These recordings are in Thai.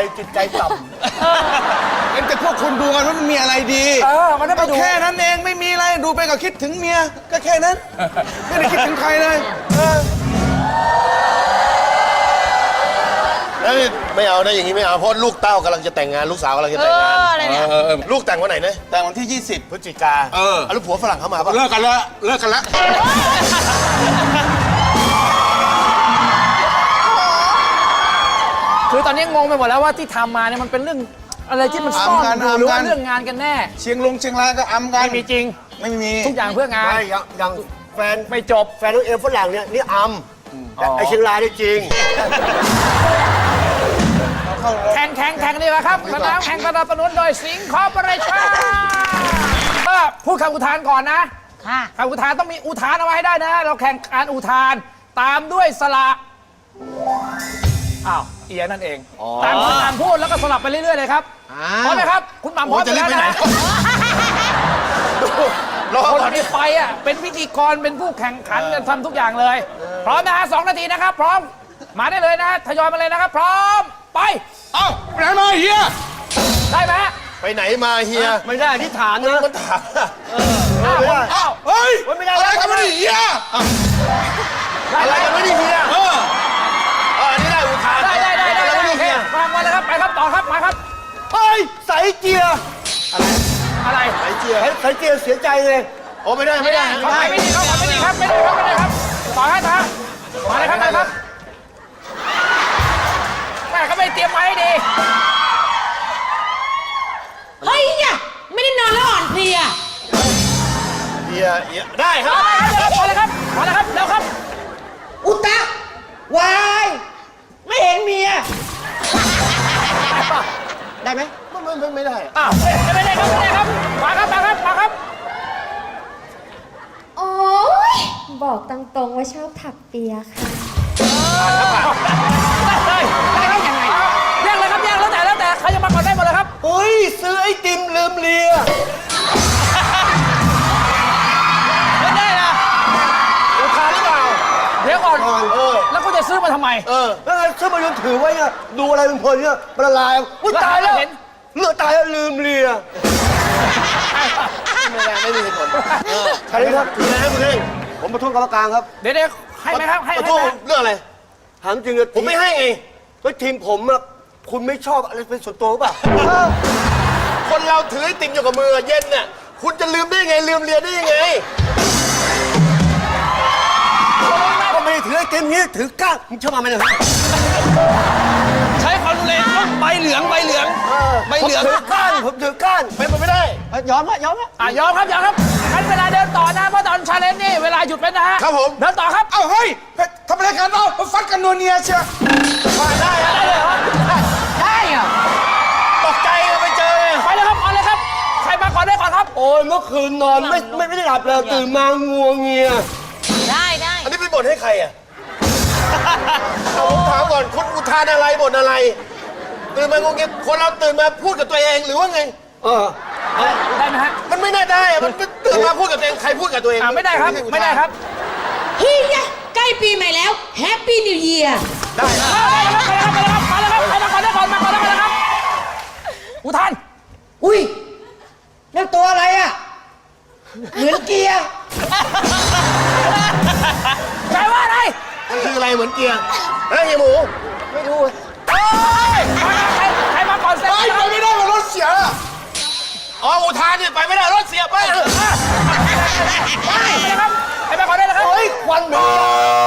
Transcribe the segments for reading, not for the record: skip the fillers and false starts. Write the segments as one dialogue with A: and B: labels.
A: จิตใจต่ำ
B: แต่พวกคุณดูกันว่ามันมีอะไรดี
A: มันได้ไปดู
B: แค่นั้นเองไม่มีอะไรดูไปก็คิดถึงเมียก็แค่นั้นไม่ได้คิดถึงใครเลย
A: แล้วไม่เอานะอย่างนี้ไม่เอาเพราะลูกเต้ากำลังจะแต่งงานลูกสาวกำลังจะแต่งงานลูกแต่งวันไหนนะ
B: แต่วันที่ 20
A: พฤศจิกาแล้วผัวฝรั่งเข้ามาปะ
B: เลิกกันแล้วเลิกกันแล้ว
C: คือตอนนี้งงไปหมดแล้วว่าที่ทำมาเนี่ยมันเป็นเรื่องอะไรที่มันซ่อนอยู่หรือว่าเรื่องงานกันแน่
B: เชียงรายก็อำกัน
C: ไม่มีจริง
B: ไม่มี
C: ทุกอย่างเพื่องาน
A: ไม่ยังแฟน
C: ไม่จบ
A: แฟนน้องเอมฝรั่งเนี่ยนี่อัมแต่ไอเชียงรายนี่จริง
C: แข่งดีกว่าครับสนามแข่งสนับสนุนโดยสิงห์คอร์ปอเรชั่นก็พูดคำอุทานก่อนนะ
D: ค่ะ
C: คำอุทานต้องมีอุทานเอาไว้ให้ได้นะ เราแข่งการอุทานตามด้วยสระอ้าวเอียนั่นเองตามคุณหม่ำพูดแล้วก็สลับไปเรื่อยๆเลยครับพร้อมไหมครับคุณหม่ำพร้อม
B: จะรีบไปไหน
C: คนที่ไปอ่ะเป็นพิธีกรเป็นผู้แข่งขันกันทำทุกอย่างเลย พร้อมนะฮะ2 นาทีนะครับพร้อมมาได้เลยนะทยอยมาเลยนะครับ พร้อมไป
B: เอ้าไปไหนมาเฮีย
C: ได้ไหม
A: ไปไหนมาเฮีย
E: ไม่ได้ที่ฐานนะ
A: มันถาม
C: อ้าว
B: เฮ้ย
A: ไม่ได้
B: อะไรกันมาดิเฮีย
A: อะไรกันไม่ได้เฮียอันนี้ได้อุทาน
C: ได้
A: อะไรไม่ได้
C: โอเค
A: เฮีย
C: มาเลยครับไปครับต่อครับมาครับ
E: เฮ้ยใส่เกียร์
C: อะไร
A: ไอเจีย
E: ใส่เกียร์เสียใจเลย
A: โอ้ไม่ได้ไม่ได้
C: ไม่ดีครับต่อให้ครับมาเลยครับแม่ก็ไม่เตรียมไว้ให้ดี
D: เฮ้ยเนี่ยไม่ได้นอนแล้วอ่อนเพลีย
A: เฮียได้ครับ
C: พอเลยครับเร็วครับ
E: อุตะวายไม่เห็นเมีย ได้ไหม
A: ไม่ได้
C: อ้าวไม่ได้ครับมาครับ
F: โอ๊ย บอกตรงๆว่าชอบถักเปียค่ะ
C: ได้ครับยังไงแย่งเลยครับแล้วแต่ใครจะมาก่อนได้หมดเลยครับ
E: เฮ้ยซื้อไอติมลืมเลีย
C: ไม่ได้นะ
A: อุทานหรือเปล่า
C: เดี๋ยวก่อนแล้วคุณจะซื้อมาทำไม
E: แล้วไงซื้อมาจนถือไว้เนี่ยดูอะไรเพลินๆเนี่ยมันละลายอุ้ยตายแล้ว
C: เห็น
E: เลือดตายแล้วลืมเลีย
A: ไม่มีเหตุผล
E: ใช่ไหมครับ
A: คืออะไรครับคุณเอง
E: ผมประท้วงกรรมการครับ
C: เดี๋ยวให้ไหมครับให้
A: ขอ
C: ไห
A: โทษ
C: ม
A: เรื่องอะไร
E: ถามจริงเลย
A: ผมไม่ให้ไง
E: เฮ้ยทีมผมอะคุณไม่ชอบอะไรเป็นส่วนตัวหรือเปล่ะ
A: คนเราถือไอติมอยู่กับมือเย็นน่ะคุณจะลืมได้ไงลืมเรียนได้ยังไง
E: ก็ไม่ได้ถือไอติมนี้ถือก้านมึงชอบมาไหมเนี่ย
C: ใช้ความรุนแรงใบเหลือง
E: ผมถือก้านผมถือก้าน
A: เป็นไปไม่ได้
E: ยอมละ
C: ยอมครับงั้นเวลาเดินต่อนะเพราะตอนชาเลนจ์นี่เวลาหยุดไปนะฮะ
A: ครับผม
C: เดินต่อครับ
B: เอ้าเฮ้ยทำอะไรกันเอ้าฟัดกันนัวเนียเชียว
C: ได้เลยเหรอได้เหรอ
A: ตกใจไปเจอ
C: ไปเลยครับเอาเลยครับใครมาก่อนได้ก่อนครับ
E: โอ้ยเมื่อคืนนอนไม่ได้หลับเลยตื่นมางัวเงีย
D: ได้
A: อันนี้เป็นบทให้ใครอ่ะผมถามก่อนคุณอุทานอะไรบทอะไร ตื่นมางงเงี้ยคนเราตื่นมาพูดกับตัวเองหรือว่าไง
C: ได้ไหมฮะ
A: มันไม่น่าได้อะมันตื่นมาพูดกับตัวเองใครพูดกับตัวเอง
C: ไม่ได้ครับไม่ได้ครับ
D: เฮ้ยเนี่ยใกล้ปีใหม่แล้วแฮปปี้นิวเยียร์
C: ได้ครับไปเลยครับใครมาก่อนได้ก่อนมาก่อนเลยครับอุทาน
E: อุ้ยนั่นตัวอะไรอ่ะเหมือนเกียร์
C: แปลว่าอะไร
A: มันคืออะไรเหมือนเกียร์เฮ้ยเฮียหมู
E: ไม่รู้
C: โอ้ยใครมาก่อนเซ็น
B: ไปไม่ได้มารถเสีย
A: อ๋ออุทานเนี่ยไปไม่ได้รถเสียไป
C: ได้ครับใครมาก่อนได้เลยครับ
E: เฮ้ยควันเหมือนเกียร์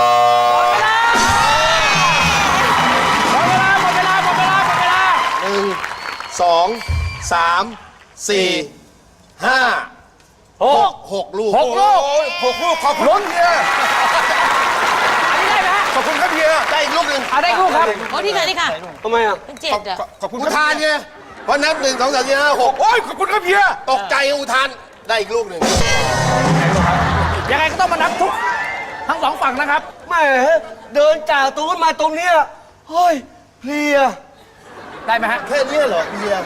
C: หมดเวลา
A: 1 2 3 4 5 6ลูก
C: 6 ลูก
B: 6 ลูกขอบคุณเฮีย
C: อันนี้ได้ไหมฮะ
B: ขอบคุณครับเฮีย
A: ได้อีกลูกหนึ่ง
C: เอาได้ลูกครับ
D: โอ้ที่ค่ะ
E: ทำไมอ่ะ
D: เป็นเจ็ดอ่ะ
B: ขอบคุณ
A: อุ
B: ครับ
A: ทานไงเพราะนับ1 2 3 4 5 6
B: โอ้ยขอบคุณครับเฮีย
A: ตกใจอุทานได้อีกลูกหนึ่ง
C: ยังไงก็ต้องมานับทุกทั้ง2ฝั่งนะครับ
E: แหมเดินจากตรงนู้นมาตรงเนี้ยเฮ้ยเพลีย
C: ได้ไหมฮะ
A: แค่นี้เหรอเฮีย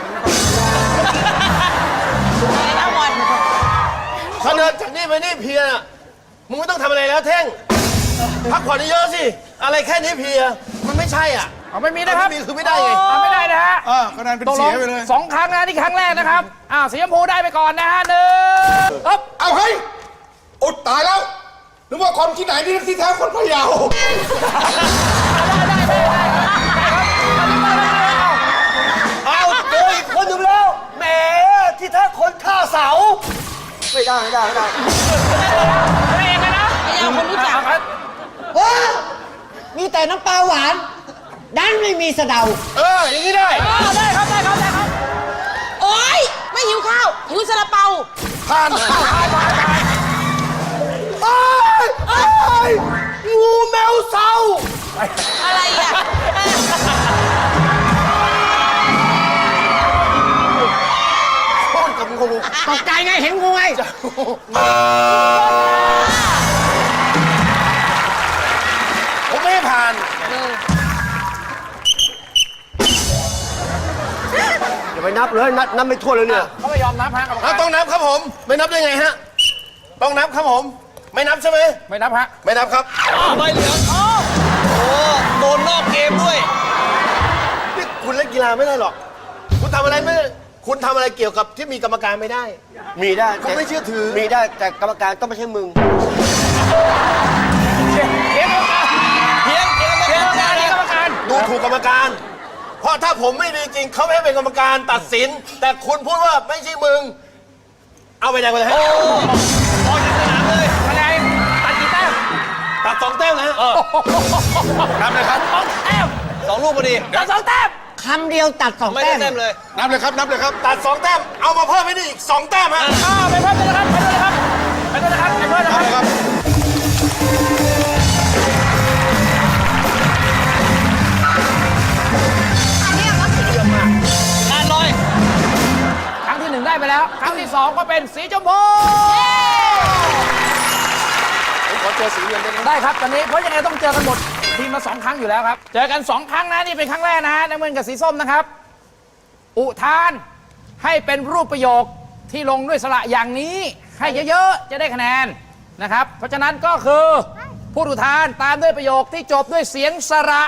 D: แล้ววัน
A: เขาเดินจากนี่ไปนี่เพลียน่ะมึงไม่ต้องทำอะไรแล้วเท่งพักผ่อนเยอะๆสิอะไรแค่นี้เพลียมันไม่ใช่อ่ะ
C: เอาไม่มีนะครับ
A: ไม่มีคือไม่ได้ไง
C: เอาไม่ได้นะฮะ
B: คะแนนเป็น
C: ตกล
B: เสี
C: ง
B: ยไปเลย
C: สองครั้งนะนี่ครั้งแรกนะครับสีชมพูได้ไปก่อนนะฮะ1
B: เอาเฮ้ยอุดตายแล้วนึกว่าคนที่ไหนที่แท้คนพะเยา
E: เอาเจออีกคนหนึ่งแล้วแหมที่แท้คนฆ่าเสา ไม่ได้
C: เองนะ
D: ไม่เอาคนรู้จัก
E: โอ้มีแต่น้ำปลาหวาน ดันไม่มีสะเดา
A: อย่างนี้ได้
C: ได้ครับได้ครับได้ครับ
D: โอ๊ย ไม่หิวข้าว หิวซาลาเปา
A: ผ่าน
E: งูแมวเศร้า
D: อะไรอ่ะ
A: โคตรกับงู
E: ตกใจไงเห็นงูไง
A: ผมไม่ให้ผ่าน
E: อย่าไปนับเลยนับไม่ทั่วเลยเนี่ย
C: เขาไม่ยอมนับฮะกรรมการ
A: ต้องนับครับผม ไม่นับได้ไงฮะ ต้องนับครับผม ไม่นับใช่ไหม
C: ไม่นับฮะ
A: ไม่นับครับ
B: ใบเหลืองโดนนอกเกมด้วย
A: นี่คุณเล่นกีฬาไม่ได้หรอก คุณทำอะไรไม่คุณทำอะไรเกี่ยวกับที่มีกรรมการไม่ได้
E: มีได้
A: เขาไม่เชื่อถือ
E: มีได้แต่กรรมการต้องไม่ใช่มึง
C: เพียงกรรมการเพียงกรรมการ
A: ดูถูกกรรมการ เพราะถ้าผมไม่ดีจริงเขาไม่ให้เป็นกรรมการตัดสิน แต่คุณพูดว่าไม่ใช่มึง เอาไปแดงไปเลยฮะ
C: คะแนนตัดกี่แต้ม
A: ตัด2 แต้มนะฮะ
B: นับเลยครับ
C: 2 แต้ม
B: 2 ลูกพอดี
C: ตัด2 แต้ม
E: คำเดียวตัด2
B: ไม่
E: แต้
B: ได้
E: ม
B: แต้มเลย นับเลยครับ นับเลยครับ
A: ตัด2 แต้ม เอามาเพิ่มให้ได้อีก2 แต้มฮะ
C: ไปเพิ่มเลยนะครับไปด้วยนะครับไปด้วยนะครับไปด้วยนะครับ ครั้งที่ 1 ได้ไปแล้ว ครั้งที่ 2 ก็เป็นสีชมพู
A: ผมขอเจอสีเงินได้ไหม
C: ได้ครับตอนนี้เพราะยังไงต้องเจอกันหมดทีมละ2 ครั้งอยู่แล้วครับ เจอกัน 2 ครั้งนะนี่เป็นครั้งแรกนะฮะน้ำเงินกับสีส้มนะครับ อุทานให้เป็นรูปประโยคที่ลงด้วยสระอย่างนี้ให้เยอะๆจะได้คะแนนนะครับ เพราะฉะนั้นก็คือพูดอุทานตามด้วยประโยคที่จบด้วยเสียงสระ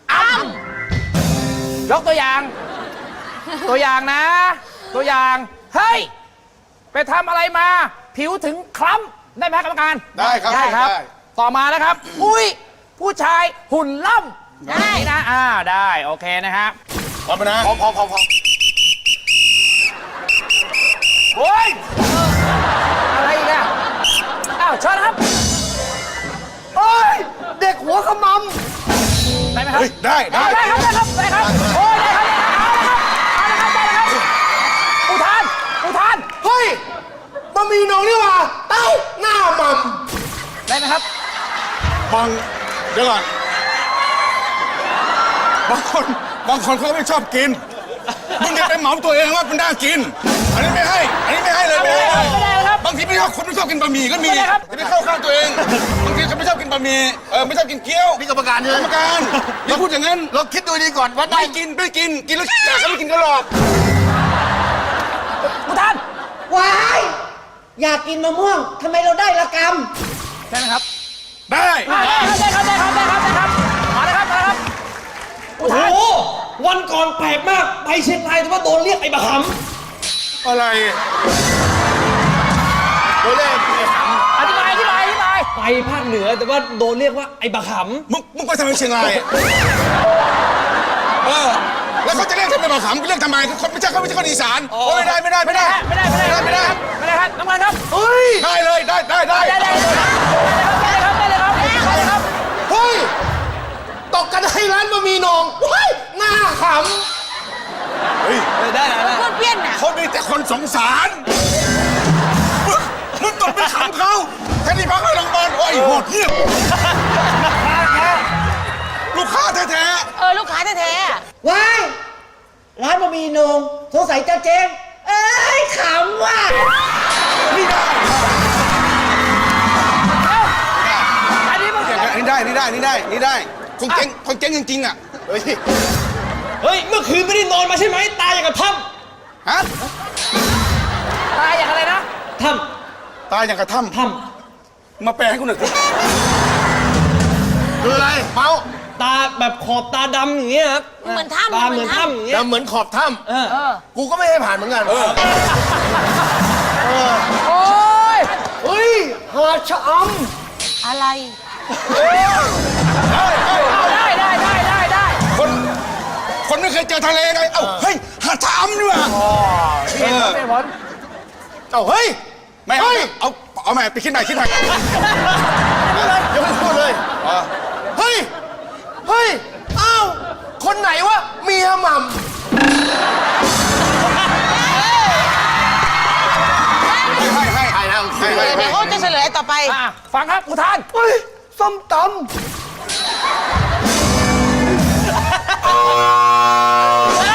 C: ยกตัวอย่าง ตัวอย่างนะ ตัวอย่างเฮ้ยไปทำอะไรมาผิวถึงคล้ำได้ไหมกรรมการ
B: ได้ครับ
C: ได้ครับ
B: ได้
C: ต่อมานะครับ อุ้ยผู้ชายหุ่นล่ำได้นะได้โอเคนะครับ
B: พร้อมนะ
A: พอ
C: โอ้ยอะไรอีกอะอ้าวเชิญครับ
E: โอ้ย เด็กหัวขม
C: ได้ไหมครับ
B: เฮ้ย ได้
C: ได้ครับได้ครับได้ครับโอ้ยได้ครับเอาละครับได้แล้วครับอุทาน
A: เฮ้ยบะหมี่หนองนี่หว่าเต้าหน้าหม่
C: ได้ไหมครับ
B: เดี๋ยวก่อน บางคนเขาไม่ชอบกิน มึงจะไปเหมาตัวเองว่ามันน่ากิน อันนี้ไม่ให้เลยไม่ให้เลย
C: ไม่ได้ครับ
B: บางทีไม่ชอบคนไม่ชอบกินบะหมี่ก็มี
C: ไม่ได้ครับ
B: จะไม่เข้าข้างตัวเอง บางทีเขาไม่ชอบกินบะหมี่ไม่ชอบกินเกี๊ยว
A: ำนี่กรรมการใช่
B: ก
A: ไห
B: ร
A: ม
B: รมการอย่าพูดอย่างนั้น
A: เราคิดดูดีก่อนว่าได้
B: ไม่กินแล้วแต่ก็ไม่กินก็หรอก
C: อุทาน
E: ำว้าย อยากกินมะม่วงทำไมเราได้ละกรรม
C: ได้ไหมครับ
B: ได้
C: ได้ครับมาเลยครับอุทาน
G: วันก่อนแปลกมาก ไปเชียงรายแต่ว่าโดนเรียกไอ้บะห
B: อะไร
A: โดนเล่น
C: อธิบาย
G: ำไปภาคเหนือแต่ว่าโดนเรียกว่าไอ้บะห
B: มึงไปทำไมเชียงรายแล้วเขาจะเรียกทำไมมาขำเรียกทำไมคนไม่ใช่คนอีสานไม่ได้
C: ไม่ได้ครับน้ำมันครับ
A: เฮ้ย
B: ได้เลยได้
C: ได้เลยครับ
A: เฮ้ย ตกกันให้ร้านบะหมี่หนองเฮ้ยหน้าข
B: เฮ้ย
G: ได้นะ
D: พูดเพี้ยนน่ะ
B: เขามีแต่คนสงสารมึงตกไปขำเขาแค่นี้พักให้รางวัลโอ้ยโหดเหี้ยมลูกค้าแท้
D: ลูกค้าแท้ๆอะ
E: ว้าย ร้านบะหมี่โหนงสงสัยจะเจ๊งเอ้ยขำว่ะ
B: ๆนี่ได้
C: อันนี้มัน
B: นี่ได้คนเจ๊งจริงๆอ่ะ
A: เฮ้ย
G: เฮ้ย เมื่อคืนไม่ได้นอนมาใช่ไหม ตายอย่างกับถ้
B: ฮะ
C: ตายอย่างอะไรนะ
G: ำถ้
B: ตายอย่างกระถ้
G: ำถ้
B: ำมาแปลให้กูหน่อยสิ
A: คืออะไร เมา
G: ำตาแบบขอบตาดำอย่างเงี้ยครับ
D: เหมือนถ้ำ
G: ตาเหมือนถ้ำอย่างเงี้ย
A: แล้วเหมือนขอบถ้
G: เออ
A: ำกูก็ไม่ให้ผ่านเหมือนกัน
C: โอ้ย
E: เฮ้ย หาดชะอ
D: อะไร
C: เอาได้ได้
B: คนไม่เคยเจอทะเลไงเอ้าเฮ้ยหาดชะอำนี่หว่า
C: เป็นผล
A: เอ้าเฮ้ย
B: ไม่เอาเอาใหม่ไปคิดใหม่
A: ยังไม่พูดเลยเฮ้ย เฮ้ย อ้าว คนไหนวะเมียหม่ำ
B: ให้นะโอเค
D: เดี๋ยวเขาจะเฉลยต่อไป
C: อ่ะฟังครับอุทาน
E: ำเฮ้ย ส้มต
C: ได้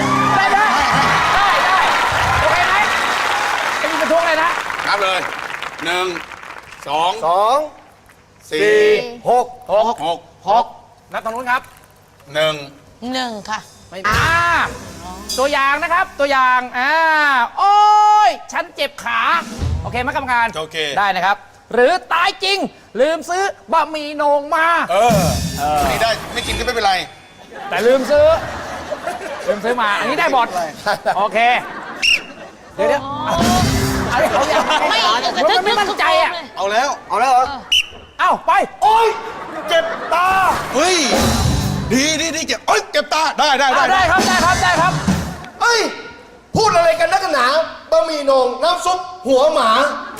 C: โอเคไหมไม่มีประท้วงเลยนะ
B: นับเลย1 2
E: ำ 2
B: 4
E: 6
B: 6
C: นับตรงนู้นครับ
B: 1
D: 1 ค่ะ
C: ไม่ตัวอย่างนะครับ ตัวอย่างโอ้ย ฉันเจ็บขา โอเคไหมกรรมการ
B: โอเค
C: ได้นะครับ หรือตายจริง ลืมซื้อบะหมี่โหนงมา
B: นี่ได้ไม่กินก็ไม่เป็นไร
C: แต่ลืมซื้อมา อันนี้ได้หมดโอเค เดี๋ยวอันนี้เขาอยาก
D: ไม่
C: มันไม่มั่นใจอ่ะ
B: เอาแล้ว
E: เอาแล้วเหรอ
C: เอ้าไป
E: โอ้ย เจ็บตา
B: เฮ้ยดีเจ็บเจ็บตาได้
C: ได้ครับ
A: เฮ้ย พูดอะไรกันนักหนาบะหมี่โหนงน้ำซุปหัวหมา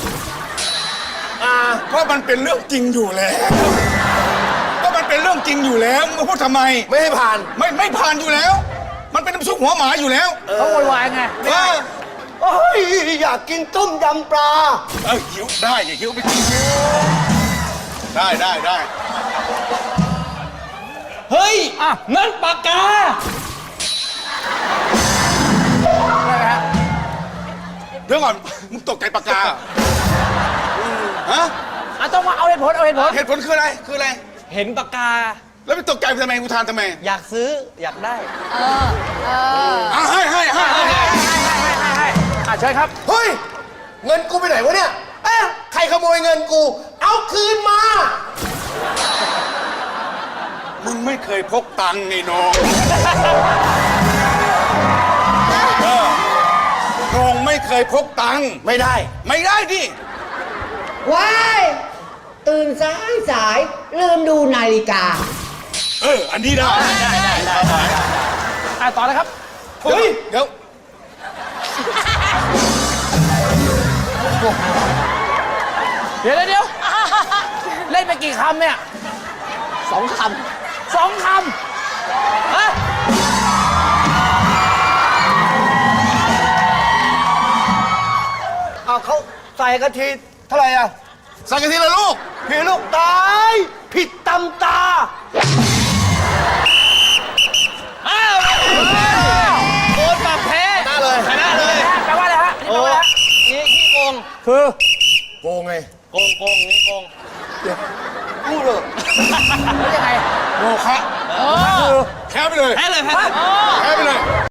B: เพราะมันเป็นเรื่องจริงอยู่แล้วก็มันเป็นเรื่องจริงอยู่แล้วมึงมาพูดทำไม
A: ไม่ให้ผ่าน
B: ไม่ผ่านอยู่แล้ว มันเป็นน้ำซุปหัวหมาอยู่แล้ว
C: เขาโวยวายไง
E: โอ้ย อยากกินต้มยำปลา
B: หิวได้อย่าหิวไปกินได้
G: เฮ้ยนั่นปากกา
B: เดี๋ยวก่อนมึงตกใจปากกาฮะ
C: ต้องมาเอาเหตุผล
B: เหตุผลคืออะไร
G: เห็นปากกา
B: แล้วไปตกใจทำไมกูทานทำไม
G: อยากซื้ออยากได้
B: ให้
C: เชิญครับ
A: เฮ้ย เงินกูไปไหนวะเนี่ย ใครขโมยเงินกู เอาคืนมา
B: มึงไม่เคยพกตังค์ไงน้องน้องไม่เคยพกตังค์
A: ไม่ได้
B: ไม่ได้ดิ
D: ว้าย ตื่นสายลืมดูนาฬิกา
B: อันนี้ได้
C: ต่อเลยครับ
B: เฮ้ยเดี๋ยว
C: เดี๋ยว เล่นไปกี่คำเนี่ย
E: 2 ค
C: 2 คำฮะ
E: ำเอาเขาใส่กะทิเท่าไหร่อ่ะ
A: สักทีละลูก
E: พี่ลูกตาย ผิดตำตา
G: โดนปรับแพ้
A: หน้าเลย
G: ชนะเลย
C: แปลว่าอะไรฮะ
G: โอ้นี่ขี้โกง
C: คือ
A: โกงไง
G: โกงนี่โกง
E: พูดเลย
C: ยังไง
B: โมคะแพ้ไปเลย
G: แพ้เลย
B: แพ้ไปเลย